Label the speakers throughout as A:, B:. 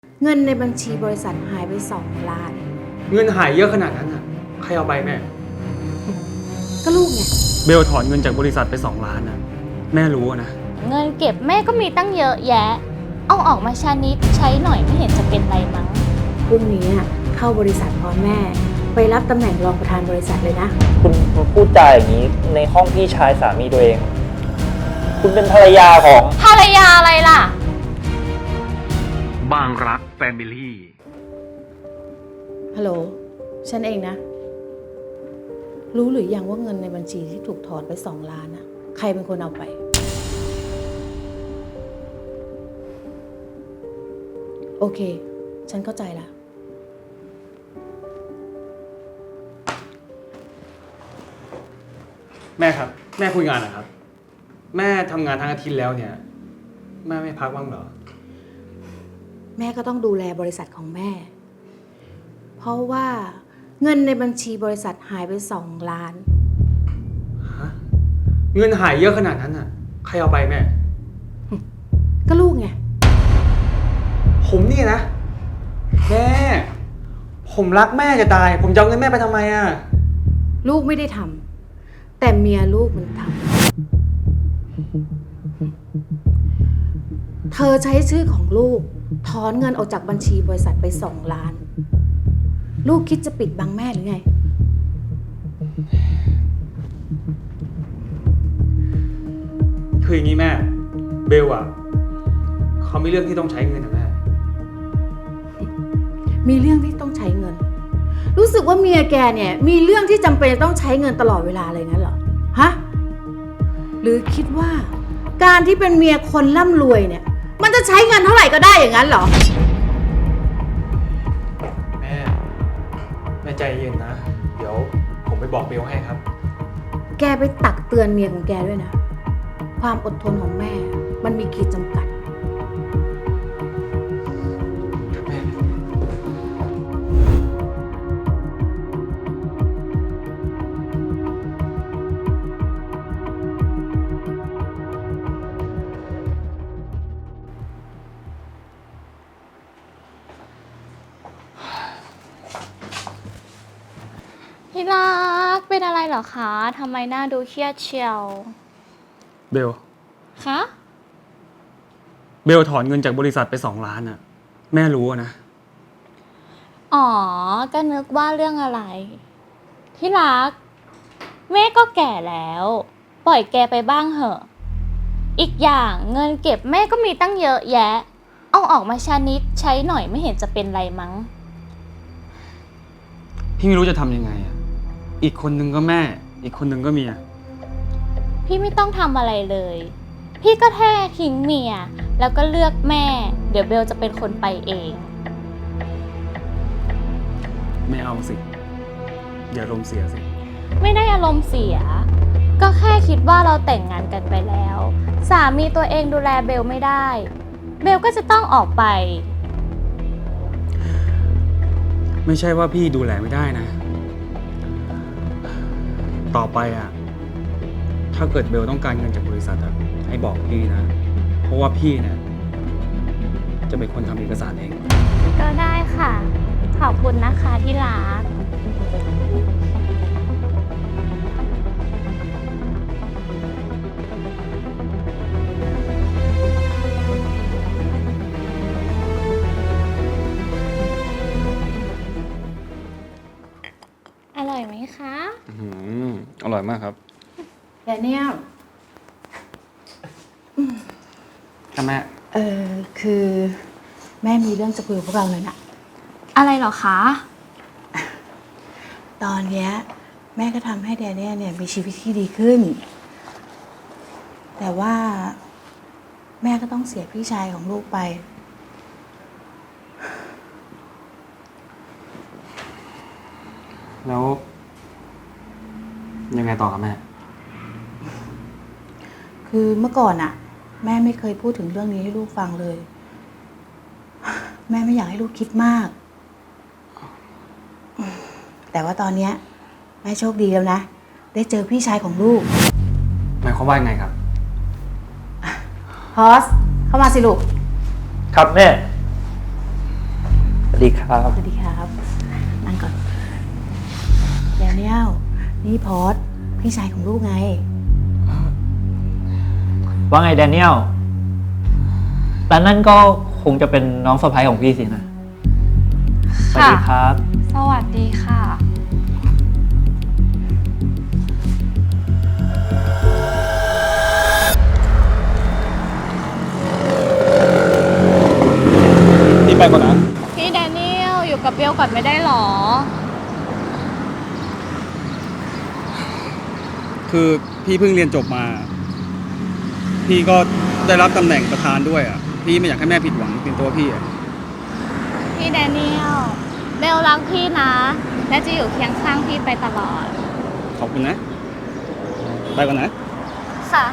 A: เงินในบัญชีบริษัทหายไป2 ล้าน
B: เงินหายเยอะขนาดนั้นอ่ะใครเอาไปแม่
A: ก็ลูกไง
B: เบลถอนเงินจากบริษัทไป2 ล้านนะแม่รู้นะ
C: เงินเก็บแม่ก็มีตั้งเยอะแยะเอาออกมาชานิดใช้หน่อยไม่เห็นจะเป็นไรมั้ง
A: พรุ่งนี้เข้าบริษัทพร้อมแม่ไปรับตำแหน่งรองประธานบริษัทเลยนะ
D: คุณพูดจาอย่างนี้ในห้องพี่ชายสามีตัวเอง คุณเป็นภรรยาของ
C: ภรรยาอะไรล่ะ
B: บางรักแฟมิลี่
A: ฮัลโหลฉันเองนะรู้หรือยังว่าเงินในบัญชีที่ถูกถอนไป2 ล้านใครเป็นคนเอาไปโอเคฉันเข้าใจละ
B: แม่ครับแม่คุยงานเหรอครับแม่ทำงานทั้งอาทิตย์แล้วเนี่ยแม่ไม่พักบ้างเหรอ
A: แม่ก็ต้องดูแลบริษัทของแม่เพราะว่าเงินในบัญชีบริษัทหายไป2 ล้าน
B: ฮะเงินหายเยอะขนาดนั้นอ่ะใครเอาไปแม่
A: ก็ลูกไง
B: ผมนี่นะแม่ผมรักแม่จะตายผมจะเอาเงินแม่ไปทำไมอ่ะ
A: ลูกไม่ได้ทำแต่เมียลูกมันทำเธอใช้ชื่อของลูกถอนเงินออกจากบัญชีบริษัทไป2 ล้านลูกคิดจะปิดบังแม่หรือไง
B: คืออย่างนี้แม่เบลอ่ะเขามีเรื่องที่ต้องใช้เงินนะแม่
A: มีเรื่องที่ต้องใช้เงินรู้สึกว่าเมียแกเนี่ยมีเรื่องที่จำเป็นต้องใช้เงินตลอดเวลาเลยงั้นเหรอฮะหรือคิดว่าการที่เป็นเมียคนร่ำรวยเนี่ยมันจะใช้เงินเท่าไหร่ก็ได้อย่างนั้นเหรอ
B: แม่ใจเย็นนะเดี๋ยวผมไปบอกเบลให้ครับ
A: แกไปตักเตือนเมียของแกด้วยนะความอดทนของแม่มันมีขีดจำกัด
B: ครับแม่
C: ที่รักเป็นอะไรเหรอคะทำไมหน้าดูเครียดเชียว
B: เบล
C: คะ
B: เบลถอนเงินจากบริษัทไป2 ล้านอ่ะแม่รู้นะ
C: อ๋อก็นึกว่าเรื่องอะไรที่รักแม่ก็แก่แล้วปล่อยแกไปบ้างเหอะอีกอย่างเงินเก็บแม่ก็มีตั้งเยอะแยะเอาออกมาชานิดใช้หน่อยไม่เห็นจะเป็นไรมั้ง
B: พี่ไม่รู้จะทำยังไงอ่ะอีกคนนึงก็แม่อีกคนนึงก็เมีย
C: พี่ไม่ต้องทำอะไรเลยพี่ก็แค่ทิ้งเมียแล้วก็เลือกแม่เดี๋ยวเบลจะเป็นคนไปเอง
B: ไม่เอาสิอย่าอารมณ์เสียสิ
C: ไม่ได้อารมณ์เสียก็แค่คิดว่าเราแต่งงานกันไปแล้วสามีตัวเองดูแลเบลไม่ได้เบลก็จะต้องออกไป
B: ไม่ใช่ว่าพี่ดูแลไม่ได้นะต่อไปอ่ะถ้าเกิดเบลต้องการเงินจากบริษัทอ่ะให้บอกพี่นะเพราะว่าพี่เนี่ยจะเป็นคนทำเอกสารเอง
C: ก็ได้ค่ะขอบคุณนะคะที่รักอร่อยไหมคะ
B: อร่อยมากครับ
A: แดเนียล
B: ค่ะแม่
A: คือแม่มีเรื่องจะคุยกับพวกเราเลยนะ
C: อะไรเหรอคะ
A: ตอนเนี้ยแม่ก็ทำให้แดเนียลเนี่ยมีชีวิตที่ดีขึ้นแต่ว่าแม่ก็ต้องเสียพี่ชายของลูกไป
B: แล้วยังไงต่อครับแม่
A: คือเมื่อก่อนแม่ไม่เคยพูดถึงเรื่องนี้ให้ลูกฟังเลยแม่ไม่อยากให้ลูกคิดมากแต่ว่าตอนนี้แม่โชคดีแล้วนะได้เจอพี่ชายของลูก
B: หมายความว่าไงครับ
A: ฮอสเข้ามาสิลูก
D: ครับแม่ดีครับ
A: สวัสดีครับนั่งก่อนแดเนียลนี่พอดพี่ชายของลูกไง
D: ว่าไงแดเนียลแต่นั่นก็คงจะเป็นน้องสะใภ้ของพี่สินะ สวัสดีครับ
C: สวัสดีค่ะ
B: พี่ไปก่อนนะ
C: พี่แดเนียลอยู่กับเบลก่อนไม่ได้หรอ
B: คือพี่เพิ่งเรียนจบมา พี่ก็ได้รับตำแหน่งประธานด้วยอ่ะ พี่ไม่อยากให้แม่ผิดหวังเป็นตัวพี่อ่ะ
C: พี่แดเนียลเบลรักพี่นะ และจะอยู่เคียงข้างพี่ไปตลอด
B: ขอบคุณนะ ไปก่อนนะ
C: ค่ะ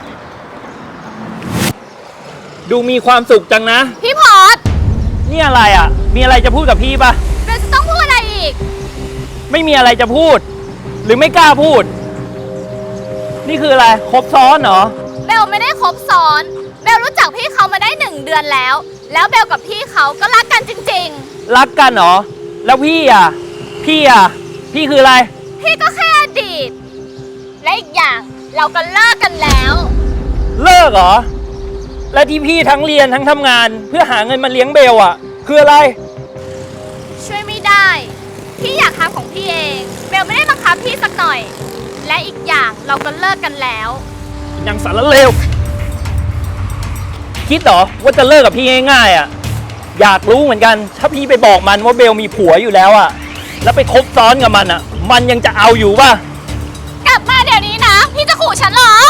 D: ดูมีความสุขจังนะ
C: พี่พอด
D: นี่อะไรอ่ะ มีอะไรจะพูดกับพี่ปะ
C: เบลจะต้องพูดอะไรอีก
D: ไม่มีอะไรจะพูด หรือไม่กล้าพูด นี่คืออะไร ครบซ้อนเหรอ
C: เบลไม่ได้คบซ้อน เบลรู้จักพี่เขามาได้1 เดือนแล้ว แล้วเบลกับพี่เขาก็รักกันจริง
D: รักกันเหรอ แล้วพี่อ่ะ พี่คืออะไร
C: ๆ พี่ก็แค่อดีต และอีกอย่างเราก็เลิกกันแล้ว
D: เลิกเหรอ และที่พี่ทั้งเรียนทั้งทำงาน เพื่อหาเงินมาเลี้ยงเบลอ่ะ คืออะไร
C: ช่วยไม่ได้ พี่อยากทำของพี่เอง เบลไม่ได้บังคับพี่สักหน่อย และอีกอย่างเราก็เลิกกันแล้ว
D: ยังสารเลว คิดเหรอว่าจะเลิกกับพี่ง่ายๆอ่ะ อยากรู้เหมือนกัน ถ้าพี่ไปบอกมันว่าเบลมีผัวอยู่แล้วอ่ะ แล้วไปคบซ้อนกับมันอ่ะ มันยังจะเอาอยู่ป่ะ
C: กลับมาเดี๋ยวนี้นะ พี่จะขู่ฉันเหรอ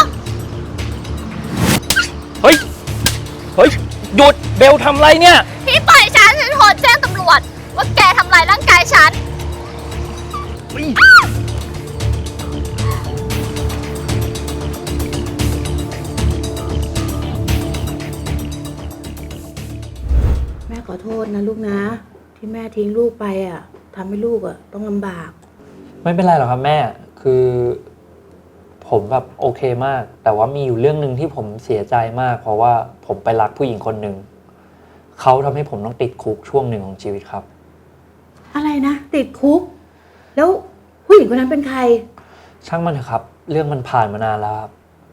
D: เฮ้ย หยุด เบลทำไรเนี่ย
C: พี่ปล่อยฉันโทรแจ้งตำรวจ ว่าแกทำลายร่างกายฉัน
A: แม่ขอโทษนะลูกนะ ที่แม่ทิ้งลูกไปอ่ะทำให้ลูกอ่ะต้องลำบาก
E: ไม่เป็นไรหรอกครับแม่ คือผมแบบโอเคมาก แต่ว่ามีอยู่เรื่องหนึ่งที่ผมเสียใจมาก เพราะว่าผมไปรักผู้หญิงคนหนึ่ง เขาทำให้ผมต้องติดคุกช่วงหนึ่งของชีวิตครับ
A: อะไรนะ ติดคุก แล้วผู้หญิงคนนั้นเป็นใคร
E: ช่างมันเถอะครับ เรื่องมันผ่านมานานแล้วครับ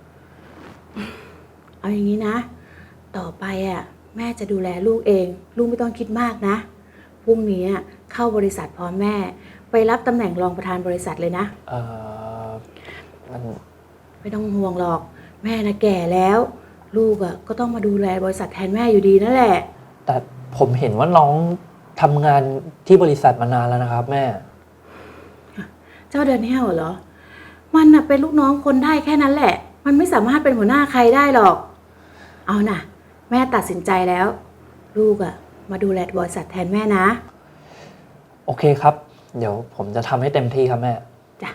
A: เอาอย่างนี้นะ ต่อไปอ่ะแม่จะดูแลลูกเอง ลูกไม่ต้องคิดมากนะพรุ่งนี้เข้าบริษัทพร้อมแม่ ไปรับตำแหน่งรองประธานบริษัทเลยนะ
E: มัน
A: ไม่ต้องห่วงหรอก แม่นะแก่แล้ว ลูกอ่ะก็ต้องมาดูแลบริษัทแทนแม่อยู่ดีนั่นแหละ
E: แต่ผมเห็นว่าน้องทำงานที่บริษัทมานานแล้วนะครับแม่
A: เจ้าเดนเนียลเหรอ มันน่ะเป็นลูกน้องคนได้แค่นั้นแหละ มันไม่สามารถเป็นหัวหน้าใครได้หรอก เอาน่ะ แม่ตัดสินใจแล้ว ลูกอ่ะมาดูแลบริษัทแทนแม่นะ
E: โอเคครับ เดี๋ยวผมจะทำให้เต็มที่ครับแม่
A: จ้ะ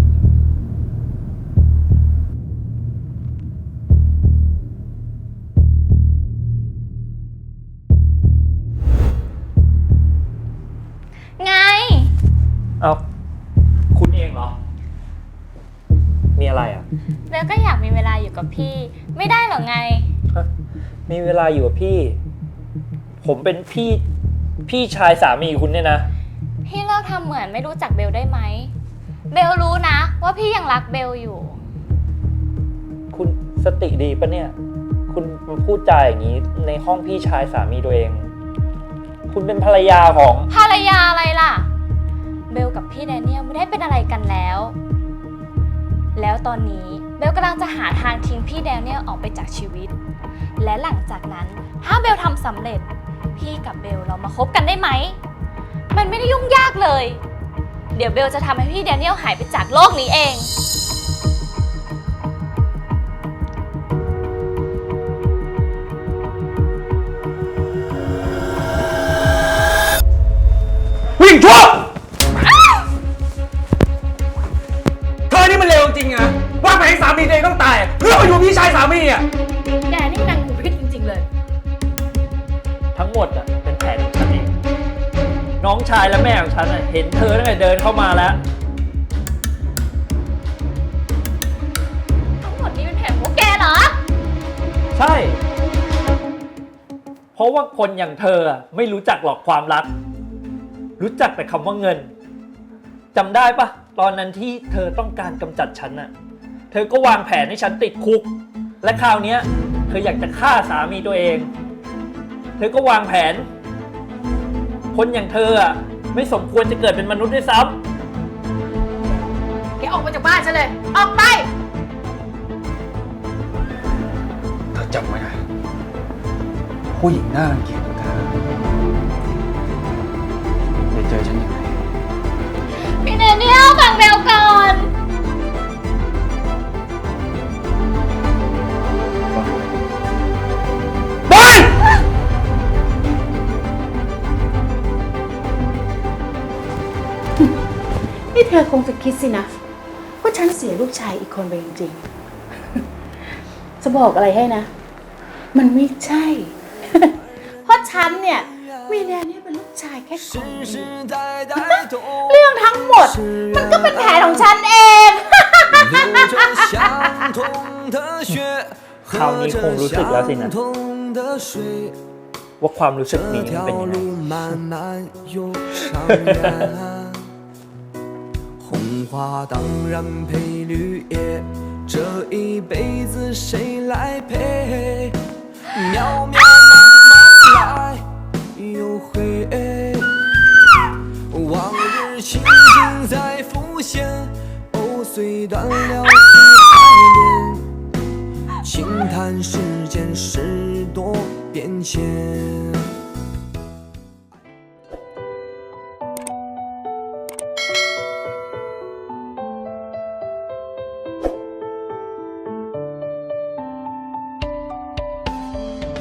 C: ไง
E: เอาคุณเองเหรอ มีอะไรอ่ะ
C: เบลก็อยากมีเวลาอยู่กับพี่ ไม่ได้หรอไง
E: มีเวลาอยู่กับพี่ ผมเป็นพี่ชายสามีคุณเนี่ยนะ
C: พี่เลิกทำเหมือนไม่รู้จักเบลได้ไหม เบลรู้นะ ว่าพี่ยังรักเบลอยู่
E: คุณสติดีปะเนี่ย คุณมาพูดจาอย่างนี้ในห้องพี่ชายสามีตัวเอง คุณเป็นภรรยาของ
C: ภรรยาอะไรล่ะ เบลกับพี่แดเนียลไม่ได้เป็นอะไรกันแล้ว แล้วตอนนี้เบลกำลังจะหาทางทิ้งพี่แดเนียลออกไปจากชีวิต และหลังจากนั้นถ้าเบลทำสำเร็จ พี่กับเบลเรามาคบกันได้ไหม มันไม่ได้ยุ่งยากเลย เดี๋ยวเบลจะทำให้พี่แดเนียลหายไปจากโลกนี้เอง
B: ผู้หญิงชั่วเธอนี่มันเลวจริงอะว่าไปให้สามีตัวเองต้องตายอะเพื่อมาอยู่พี่ชายสามีอะ
A: แกนี่นางหูพิษจริงๆเลย
E: ทั้งหมดอ่ะเป็นแผนของฉันเอง น้องชายและแม่ของฉันเห็นเธอตั้งแต่เดินเข้ามาแล้ว
C: ทั้งหมดนี้เป็นแผนของแกเหรอ
E: ใช่ เพราะว่าคนอย่างเธอไม่รู้จักหรอกความรักรู้จักแต่คำว่าเงินจำได้ปะตอนนั้นที่เธอต้องการกำจัดฉันน่ะ เธอก็วางแผนให้ฉันติดคุก และคราวเนี้ยเธออยากจะฆ่าสามีตัวเอง เธอก็วางแผน คนอย่างเธออ่ะไม่สมควรจะเกิดเป็นมนุษย์ด้วยซ้ำ
A: แกออกมาจากบ้านฉันเลย ออกไป
B: เธอจำไว้นะผู้หญิงหน้ารังเกียจของเธอเดี๋ยวเจอฉันอีกไหม
C: พี่เดเนียลฟังเบลก่อน
A: นี่เธอคงจะคิดสินะว่าฉันเสียลูกชายอีกคนไปจริงๆ จะบอกอะไรให้นะ มันไม่ใช่ เพราะฉันเนี่ยมีแนนเนี่ยเป็นลูกชายแค่คนเดียวเรื่องทั้งหมด มันก็เป็นแผนของฉันเอง
E: คราวนี้คงรู้สึกแล้วสินะ ว่าความรู้สึกนี้มันเป็นยังไง
F: 红花当然配绿叶，这一辈子谁来陪？渺渺茫茫来又回，往日情景在浮现，藕虽断了丝还连，轻叹世间事多变迁。